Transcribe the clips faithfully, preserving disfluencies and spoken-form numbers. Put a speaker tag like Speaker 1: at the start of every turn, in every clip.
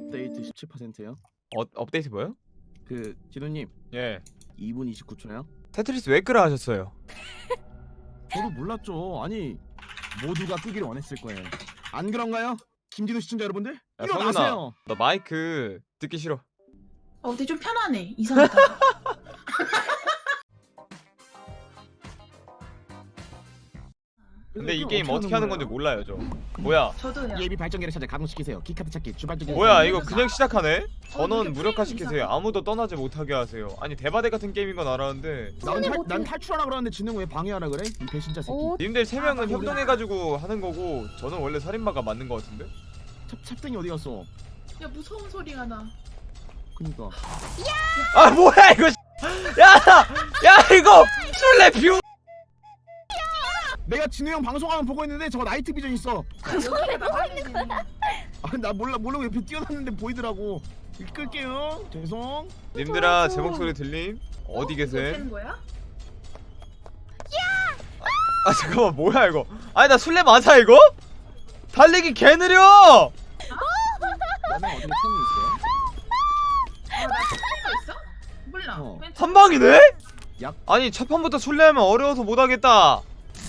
Speaker 1: 업데이트 십칠 퍼센트요.
Speaker 2: 어, 업데이트 뭐요?
Speaker 1: 그 진우님
Speaker 2: 예.
Speaker 1: 이 분 이십구 초요.
Speaker 2: 테트리스 왜 끄라 하셨어요?
Speaker 1: 저도 몰랐죠. 아니 모두가 끄기를 원했을 거예요. 안 그런가요? 김진우 시청자 여러분들?
Speaker 2: 야,
Speaker 1: 일어나세요.
Speaker 2: 너 마이크 듣기 싫어.
Speaker 3: 어, 근데 좀 편하네. 이상하다.
Speaker 2: 근데 이 게임 어떻게 하는 건지 몰라요 저. 뭐야?
Speaker 3: 저도요.
Speaker 1: 예비 발전기를 찾아 가동시키세요. 키카드 찾기 주발적인.
Speaker 2: 뭐야
Speaker 3: 이거
Speaker 2: 이거 그냥 시작하네? 전원
Speaker 3: 이렇게
Speaker 2: 무력화
Speaker 3: 프레임이
Speaker 2: 시키세요.
Speaker 3: 이상해.
Speaker 2: 아무도 떠나지 못하게 하세요. 아니 대바대 같은 게임인 건 알았는데
Speaker 1: 난, 탈, 난 탈출하라 그러는데 진우 왜 방해하라 그래? 이 배신자 새끼.
Speaker 4: 오,
Speaker 2: 님들 세 명은
Speaker 3: 아,
Speaker 2: 협동해가지고 하는 거고 저는 원래 살인마가 맞는 거 같은데?
Speaker 1: 찹, 찹등이 어디 갔어?
Speaker 3: 야, 무서운 소리가 나.
Speaker 1: 그니까.
Speaker 2: 아 뭐야 이거 야! 야 이거 술래 뷰!
Speaker 1: 내가 진우 형 방송하면 보고 있는데 저거 나이트 비전 있어.
Speaker 3: 소리가 나가야 되네.
Speaker 1: 아, 나 몰라 모르고 옆에 뛰어났는데 보이더라고. 이거 끌게요. 죄송.
Speaker 2: 님들아 제 목소리 들림? 어디
Speaker 3: 어?
Speaker 2: 계세요?
Speaker 3: 이거 되는 거야?
Speaker 2: 아 잠깐만 뭐야 이거 아니 나 술래 맞아 이거? 달리기 개 느려!
Speaker 1: 나는 어떻게 총이 있어요?
Speaker 3: 아, 나 소리가 있어? 몰라.
Speaker 1: 어.
Speaker 3: 그냥
Speaker 2: 한 방이네?
Speaker 1: 약.
Speaker 2: 아니 첫 판부터 술래하면 어려워서 못하겠다.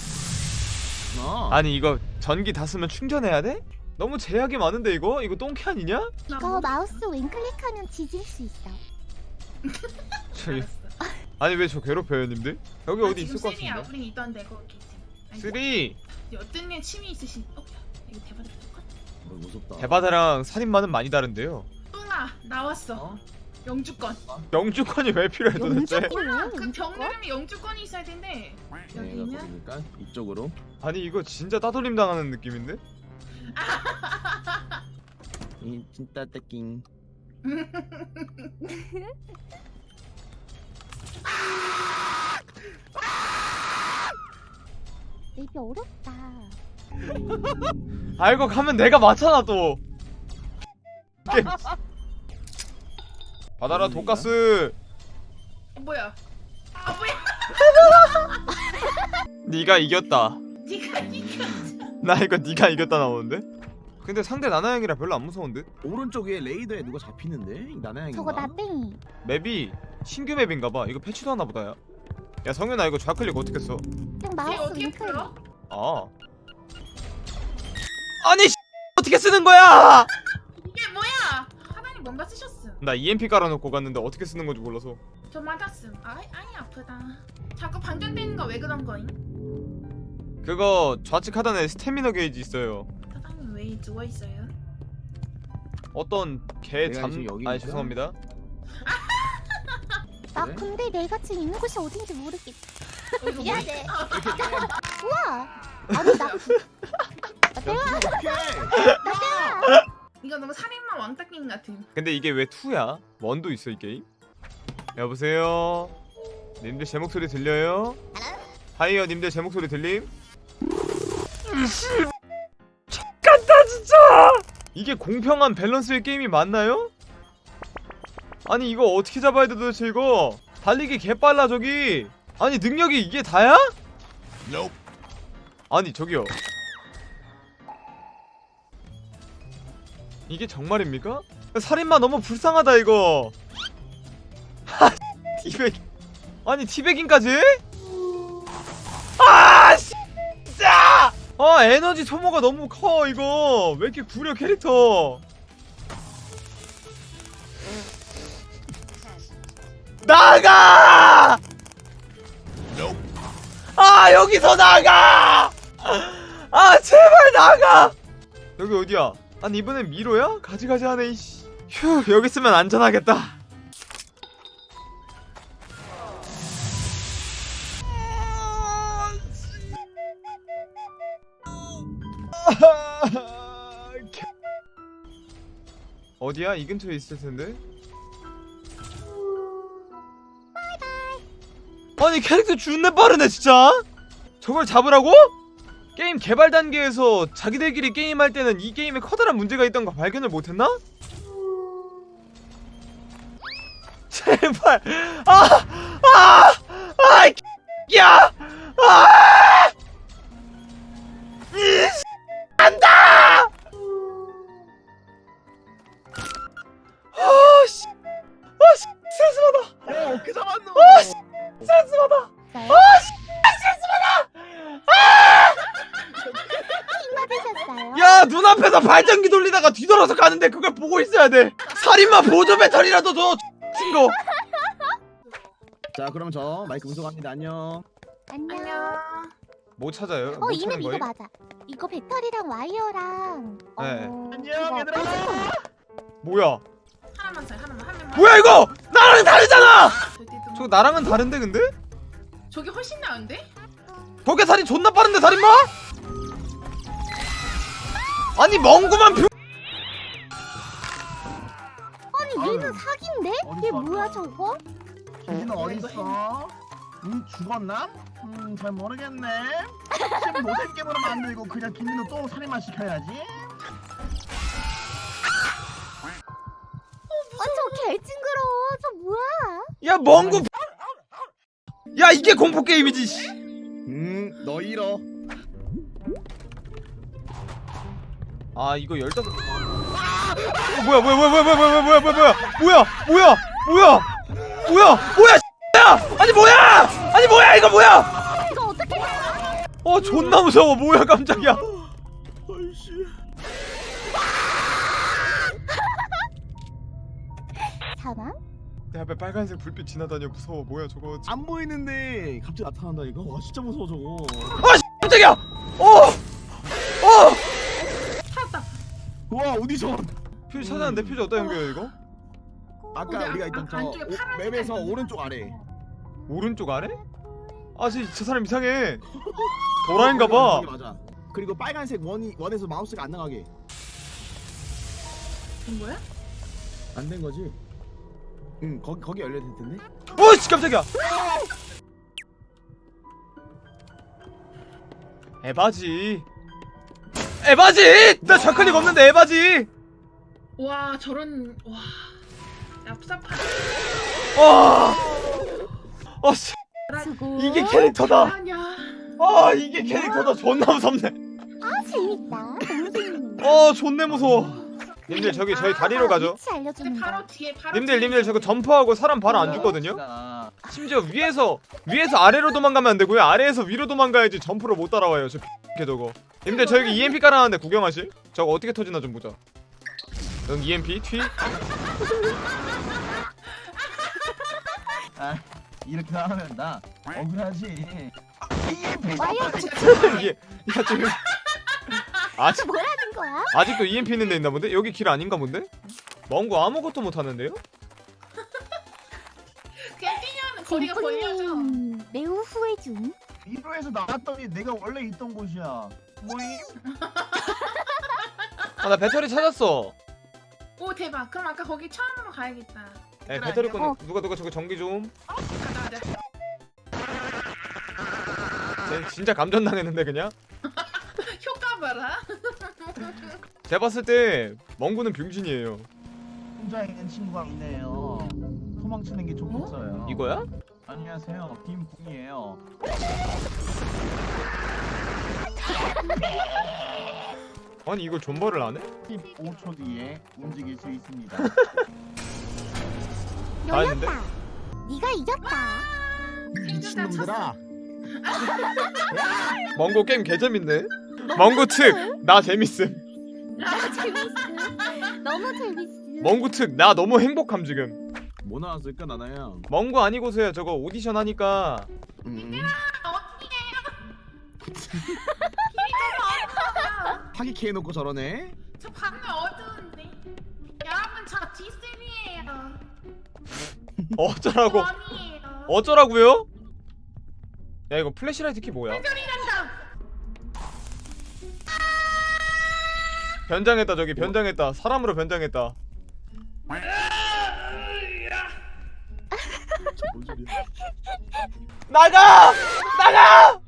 Speaker 1: 어.
Speaker 2: 아니 이거 전기 다 쓰면 충전해야 돼? 너무 제약이 많은데 이거? 이거 똥캐 아니냐?
Speaker 3: 나
Speaker 4: 이거
Speaker 3: 몰라.
Speaker 4: 마우스 왼클릭하면 지질 수 있어.
Speaker 2: 저기
Speaker 3: 알았어.
Speaker 2: 아니 왜 저 괴롭혀요 님들? 여기
Speaker 3: 나
Speaker 2: 어디
Speaker 3: 지금
Speaker 2: 있을 것
Speaker 3: 쓰리야.
Speaker 2: 같은데?
Speaker 3: 우린 있던데 거기. 아니,
Speaker 2: 쓰리!
Speaker 3: 어떤 애 취미 있으신? 어, 야, 이거 대박이다. 똑같아.
Speaker 1: 뭐, 무섭다.
Speaker 2: 대바다랑 살인마는 많이 다른데요.
Speaker 3: 뿡아, 나왔어.
Speaker 1: 어?
Speaker 3: 영주권.
Speaker 2: 영주권이 왜 필요해 도대체?
Speaker 4: 영주권?
Speaker 3: 몰라. 그
Speaker 4: 영주권?
Speaker 3: 병들면 영주권이 있어야 된대.
Speaker 1: 내가
Speaker 3: 여기는
Speaker 1: 보니까 이쪽으로.
Speaker 2: 아니 이거 진짜 따돌림 당하는 느낌인데?
Speaker 1: 이 진짜 떼킹.
Speaker 4: 맵이 어렵다.
Speaker 2: 알고 가면 내가 맞잖아 또. 게임. 받아라 돈가스.
Speaker 3: 뭐야? 아 뭐야?
Speaker 2: 네가 이겼다.
Speaker 3: 니가 이겨.
Speaker 2: 나 이거 네가 이겼다 나오는데? 근데 상대 나나형이라 별로 안 무서운데?
Speaker 1: 오른쪽 위에 레이더에 누가 잡히는데? 나나양인가?
Speaker 4: 저거 나뺑이.
Speaker 2: 맵이 신규 맵인가봐. 이거 패치도 하나 보다야. 야 성현아 이거 좌클릭 어떻게 써?
Speaker 4: 그냥
Speaker 3: 쟤
Speaker 4: 마우스
Speaker 3: 어떻게
Speaker 4: 왼클릭.
Speaker 3: 풀어?
Speaker 2: 아 아니 어떻게 쓰는 거야?
Speaker 3: 이게 뭐야? 하나님 뭔가 쓰셨음.
Speaker 2: 나 이엠피 깔아놓고 갔는데 어떻게 쓰는 건지 몰라서.
Speaker 3: 저 맞았음. 아이 아이 아프다. 자꾸 반전되는 거 왜 그런 거임?
Speaker 2: 그거 좌측 하단에 스태미너 게이지 있어요.
Speaker 3: 사장님 왜 누워 있어요?
Speaker 2: 어떤 개
Speaker 1: 내가
Speaker 2: 잠...
Speaker 1: 지금 여기
Speaker 2: 아니
Speaker 1: 있어?
Speaker 2: 죄송합니다.
Speaker 4: 나
Speaker 1: 그래?
Speaker 4: 근데 내가 지금 있는 곳이 어딘지 모르겠.
Speaker 3: 어, 이거
Speaker 4: 미안해.
Speaker 1: 이렇게 게임.
Speaker 4: 우와. 아니 나. 나 대화.
Speaker 1: 오케이.
Speaker 3: 이거 너무 살인마 왕따 게임 같은.
Speaker 2: 근데 이게 왜 투야? 원도 있어 이 게임? 여보세요? 님들 제 목소리 들려요? 하이요 님들 제 목소리 들림? X같다 진짜! 이게 공평한 밸런스의 게임이 맞나요? 아니 이거 어떻게 잡아야 돼 도대체 이거? 달리기 개빨라 저기! 아니 능력이 이게 다야? 아니 저기요 이게 정말입니까? 살인마 너무 불쌍하다 이거. 하 티백 아니 티백인까지? 아 진짜! 아 에너지 소모가 너무 커 이거. 왜 이렇게 구려 캐릭터. 나가! 아 여기서 나가! 아 제발 나가! 여기 어디야? 아니 이번엔 미로야? 가지가지 하네 이씨. 휴 여기 있으면 안전하겠다. 어디야? 이 근처에 있을 텐데. 아니 캐릭터 존나 빠르네 진짜. 저걸 잡으라고? 게임 개발 단계에서 자기들끼리 게임할 때는 이 게임에 커다란 문제가 있던 거 발견을 못했나? 제발 아! 아! 아! 야! 아! 이 안다! 옆에서 발전기 돌리다가 뒤돌아서 가는데 그걸 보고 있어야 돼. 살인마 보조 배터리라도 줘 친구.
Speaker 1: 자 그럼 저 마이크 운송합니다. 안녕.
Speaker 4: 안녕.
Speaker 3: 안녕.
Speaker 2: 뭐 찾아요?
Speaker 4: 어
Speaker 2: 뭐
Speaker 4: 이맵
Speaker 2: 찾는
Speaker 4: 이거
Speaker 2: 거예요?
Speaker 4: 맞아. 이거 배터리랑 와이어랑.
Speaker 2: 네.
Speaker 4: 어,
Speaker 1: 안녕,
Speaker 4: 그거
Speaker 1: 얘들아.
Speaker 4: 뺄수
Speaker 2: 뭐야?
Speaker 3: 하나만 살 하나만 한 명만.
Speaker 2: 뭐야 이거? 나랑 다르잖아.
Speaker 3: 절대 좀-
Speaker 2: 저거 나랑은 다른데 근데?
Speaker 3: 저게 훨씬 나은데?
Speaker 2: 저게 살인 존나 빠른데 살인마? 아니 멍구만 뷰.
Speaker 4: 아니 얘는
Speaker 1: 아유.
Speaker 4: 사기인데?
Speaker 1: 어딨어,
Speaker 4: 얘 뭐야 저거?
Speaker 1: 김진우
Speaker 3: 어,
Speaker 1: 어딨어? 응 죽었나? 음잘 모르겠네. 지금 노잼 게임으로 만들고 그냥 김진우 또 살인만 시켜야지.
Speaker 4: 아저 개 징그러워. 저 뭐야?
Speaker 2: 야 멍구. 야 이게 공포 게임이지. 씨.
Speaker 1: 음너 잃어.
Speaker 2: 아 이거 열다섯. 어, 뭐야 뭐야 뭐야 뭐야 뭐야 뭐야 뭐야 뭐야 뭐야 뭐야 뭐야 뭐야 뭐야 야 아니 뭐야 아니 뭐야 이거 뭐야?
Speaker 4: 이거 어떻게?
Speaker 2: 어 존나 무서워. 뭐야 깜짝이야.
Speaker 1: 아이씨.
Speaker 4: 사망?
Speaker 2: 내 앞에 빨간색 불빛 지나다녀. 무서워. 뭐야 저거.
Speaker 1: 안 보이는데 갑자기 나타난다 이거. 와 진짜 무서워 저거.
Speaker 2: 아 씨, 깜짝이야. 어 어.
Speaker 3: 찾았다.
Speaker 1: 와 오디션.
Speaker 2: 퓨즈 찾았는데 퓨즈 어디다 연결해 이거?
Speaker 1: 아까
Speaker 3: 거기
Speaker 1: 우리가
Speaker 3: 안-
Speaker 1: 있던
Speaker 3: 안-
Speaker 1: 저
Speaker 3: 안쪽에
Speaker 1: 오-
Speaker 3: 파란색
Speaker 1: 맵에서
Speaker 3: 있는데.
Speaker 1: 오른쪽 아래.
Speaker 2: 오른쪽 아래? 아, 저, 저 사람 이상해. 도라인가봐.
Speaker 1: 거기 맞아. 그리고 빨간색 원이 원에서 마우스가 안 나가게.
Speaker 3: 된 거야?
Speaker 1: 안 된 거지? 응 거기 거기 열려 될 텐데.
Speaker 2: 오씨 깜짝이야. 에바지. 에바지. 나 좌클릭 없는데 에바지.
Speaker 3: 와 저런 와 얍삽한.
Speaker 2: 와. 어 씨.
Speaker 4: 수고.
Speaker 2: 이게 캐릭터다.
Speaker 3: 아니야.
Speaker 2: 아 이게 캐릭터다. 존나 무섭네.
Speaker 4: 아 재밌다. 너무 재밌는데.
Speaker 2: 어 존내 무서워. 님들 저기 저희 다리로 가죠.
Speaker 4: 위치 알려주는
Speaker 3: 근데
Speaker 4: 거.
Speaker 3: 바로 뒤에 바로.
Speaker 2: 님들
Speaker 3: 뒤에
Speaker 2: 님들 저거 점프하고 사람 바로 안 죽거든요. 심지어 위에서 위에서 아래로 도망가면 안 되고요. 아래에서 위로 도망가야지 점프를 못 따라와요. 저 X 저거. 님들 저기 이엠피 깔아놨는데 구경하실? 저거 어떻게 터지나 좀 보자. 응 이엠피 튀.
Speaker 5: 아 이렇게 하면 나 억울하지.
Speaker 4: 와이어
Speaker 2: 이게 야 지금 아직
Speaker 4: 뭐라는 거야?
Speaker 2: 아직도 이엠피 있는 데 있나 본데? 여기 길 아닌가 본데? 멍구 아무것도 못 하는데요?
Speaker 3: 그냥 뛰면 거리가 벌려져.
Speaker 4: 음, 매우 후회중.
Speaker 5: 이로에서 나왔더니 내가 원래 있던 곳이야. 뭐임?
Speaker 2: 아 나 배터리 찾았어.
Speaker 3: 오 대박. 그럼 아까 거기 처음으로 가야겠다.
Speaker 2: 에 배터리 꺼내.
Speaker 4: 어.
Speaker 2: 누가 누가 저거 전기 좀.
Speaker 3: 가자 가자.
Speaker 2: 쟤 진짜 감전 당했는데 그냥.
Speaker 3: 효과 봐라.
Speaker 2: 제가 봤을 때 멍구는 병신이에요.
Speaker 5: 혼자 있는 친구가 있네요. 도망치는 게 좋겠어요.
Speaker 2: 이거야?
Speaker 5: 안녕하세요. 김궁이에요.
Speaker 2: 아니 이걸 존버를 안 해?
Speaker 5: 십오 초 뒤에 움직일 수 있습니다.
Speaker 2: 다 했는데?
Speaker 4: 열렸다. 네가 이겼다.
Speaker 1: 미친놈들아.
Speaker 2: 멍구 게임 개재밌네. 멍구 특 나 재밌음.
Speaker 4: 나 재밌어. 너무 재밌어.
Speaker 2: 멍구 특 나 너무 행복함 지금.
Speaker 1: 뭐 나왔을까 나나야?
Speaker 2: 멍구 아니고서야 저거 오디션 하니까
Speaker 1: 음.
Speaker 3: 아,
Speaker 1: 파기캐 해놓고 저러네.
Speaker 3: 저 밤에 어두운데. 여러분 저 디쓰리예요.
Speaker 2: 어쩌라고
Speaker 3: 원이에요.
Speaker 2: 어쩌라고요? 야 이거 플래시라이트 키 뭐야?
Speaker 3: 소리난다.
Speaker 2: 변장했다 저기 변장했다. 사람으로 변장했다.
Speaker 1: 뭔 소리야?
Speaker 2: 나가! 나가!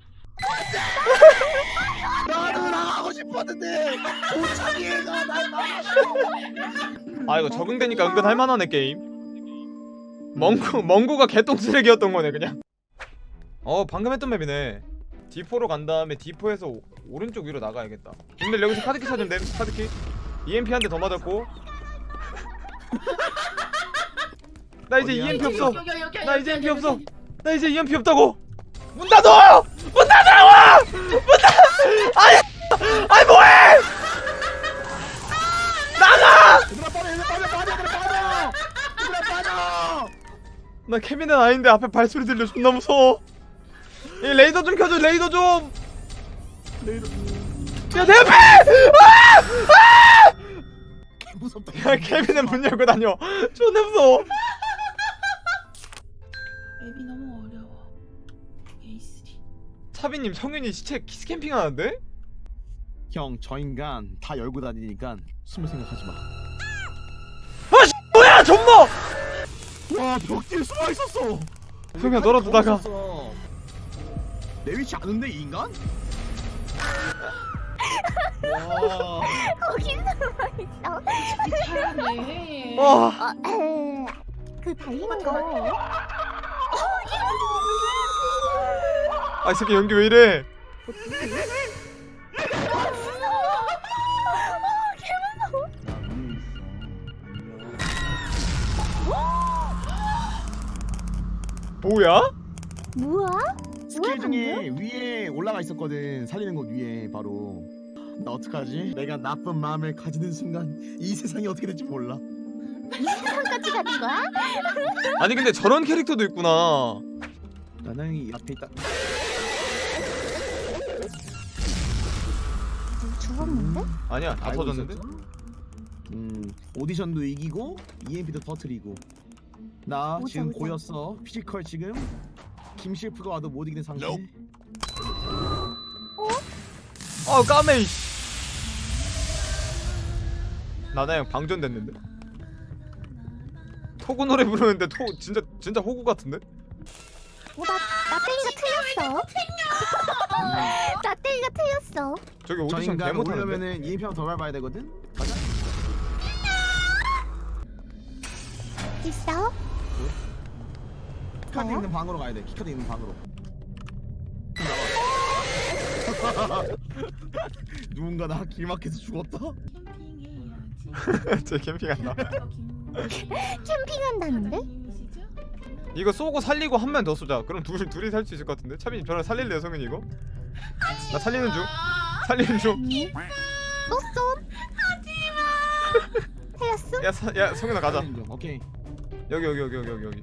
Speaker 1: 나도 나가고 싶었는데 도착이가 날 막았어.
Speaker 2: 아 이거 적응되니까 은근 할만하네 게임. 멍구 멍구가 개똥 쓰레기였던 거네 그냥. 어 방금 했던 맵이네. 디포로 간 다음에 디포에서 오, 오른쪽 위로 나가야겠다. 근데 여기서 카드키 찾으면 됨. 카드키. 이엠피 한 대 더 맞았고. 나 이제
Speaker 1: 어디야?
Speaker 2: 이엠피 없어.
Speaker 3: 여기, 여기, 여기,
Speaker 2: 나
Speaker 3: 여기,
Speaker 2: 이제
Speaker 3: 여기,
Speaker 2: 이엠피
Speaker 3: 여기,
Speaker 2: 없어.
Speaker 3: 여기.
Speaker 2: 나 이제 이엠피 없다고. 문 닫아! 문 닫으라고! 문 닫아! 아니! 아니 뭐해! 나 케빈은 아닌데 앞에 발소리 들려 존나 무서워. 이 레이더 좀 켜줘 레이더 좀.
Speaker 5: 레이더.
Speaker 2: 야 내 앞에!
Speaker 5: 무섭다.
Speaker 2: 야 케빈은 문 열고 다녀. 존나 무서워.
Speaker 3: 맵이 너무 어려워. 에이쓰리.
Speaker 2: 차비님 성윤이 시체 키스캠핑 하는데?
Speaker 5: 형, 저 인간 다 열고 다니니까 숨을 생각하지 마.
Speaker 2: 뭐야 존버!
Speaker 5: 와, 벽 뒤에 숨어 있었어.
Speaker 2: 성윤아 너라도 나가.
Speaker 5: 있었어. 내 위치 아는데 이 인간? 와.
Speaker 4: 거기 숨어있어.
Speaker 3: 잘하네.
Speaker 2: 와.
Speaker 4: 어, 에, 그 달리는 거.
Speaker 2: 아 이 새끼 연기 왜 이래? 뭐야?
Speaker 4: 뭐야?
Speaker 5: 스킬 중에 위에 올라가 있었거든. 살리는 곳 위에 바로. 나 어떡하지? 내가 나쁜 마음을 가지는 순간 이 세상이 어떻게 될지 몰라.
Speaker 4: 같이 가는 거야?
Speaker 2: 아니 근데 저런 캐릭터도 있구나.
Speaker 5: 나는 이 앞에 있다.
Speaker 4: 죽었는데?
Speaker 2: 아니야 다
Speaker 5: 알고
Speaker 2: 터졌는데?
Speaker 5: 있었죠? 음, 오디션도 이기고 이엠피도 터트리고. 나
Speaker 4: 오자,
Speaker 5: 지금
Speaker 4: 오자.
Speaker 5: 고였어. 피지컬 지금 김실프가 와도 못 이기는 상태.
Speaker 2: 아 까메. 나나양 방전됐는데? 토구 노래 부르는데 토 진짜 진짜 호구 같은데?
Speaker 4: 어, 나, 나 땡이가 틀렸어. 나 땡이가 틀렸어.
Speaker 2: 저기
Speaker 5: 저
Speaker 2: 오디션 개
Speaker 5: 인간
Speaker 2: 못하는데?
Speaker 5: 오려면은 이엠피 한번 더 밟아야 되거든. 가자.
Speaker 4: 있어?
Speaker 5: 키카드
Speaker 4: 뭐야?
Speaker 5: 있는 방으로 가야 돼. 키카드 있는 방으로. 누군가 나 길막해서 죽었다.
Speaker 3: 캠핑해야지.
Speaker 2: 쟤 캠핑한다.
Speaker 4: 캠핑한다는데?
Speaker 2: 이거 쏘고 살리고 한 명 더 쏘자. 그럼 둘 둘이 살 수 있을 것 같은데? 차빈이 저랑 살릴래요 성현이 이거? 나 살리는 중. 살리는 중.
Speaker 4: 응? 또 쏨? 하지마. 틀렸어?
Speaker 2: 야, 사, 야 성현아 가자.
Speaker 5: 인정. 오케이.
Speaker 2: 여기 여기 여기 여기 여기 여기.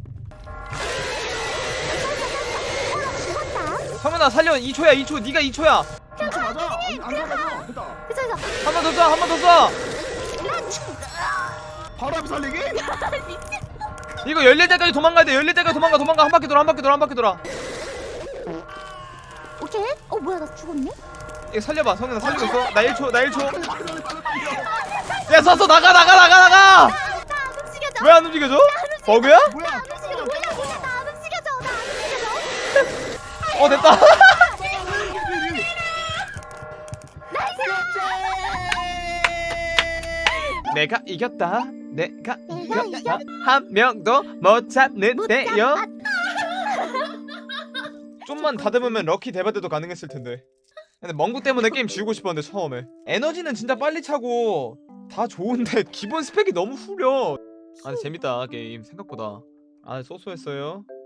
Speaker 4: 죽었다.
Speaker 2: 성현아 살려. 이 초야 이 초. 네가 이 초야.
Speaker 5: 김치 맞아. 안, 안 맞아. 됐다.
Speaker 4: 그래서 그래서
Speaker 2: 한 번 더 쏴. 한 번 더 쏴.
Speaker 4: 나 죽어.
Speaker 5: 바로 앞에 살리기?
Speaker 2: 이거 열릴 때까지 도망가야 돼. 열릴 때까지 도망가 도망가. 한 바퀴 돌아 한 바퀴 돌아 한 바퀴 돌아.
Speaker 4: 오케이. 어 뭐야 나 죽었네?
Speaker 2: 이거 살려봐. 성현아 살리고 있어. 나 일 초 나 일 초. 야 쐈어. 나가 나가 나가 나가.
Speaker 4: 나안 움직여져.
Speaker 2: 왜 안 움직여져? 버그야?
Speaker 5: 뭐야?
Speaker 4: 안 움직여. 뭐야 뭐야 나안 움직여져. 나안 움직여져.
Speaker 2: 어 됐다. 내가 이겼다. 내가
Speaker 4: 내가
Speaker 2: 이겼다. 한 명도 못 찾는데요. 좀만 다듬으면 럭키 대바대도 가능했을 텐데. 근데 멍구 때문에 게임 지우고 싶었는데 처음에. 에너지는 진짜 빨리 차고 다 좋은데 기본 스펙이 너무 후려. 아 재밌다 게임 생각보다. 아 쏘쏘했어요.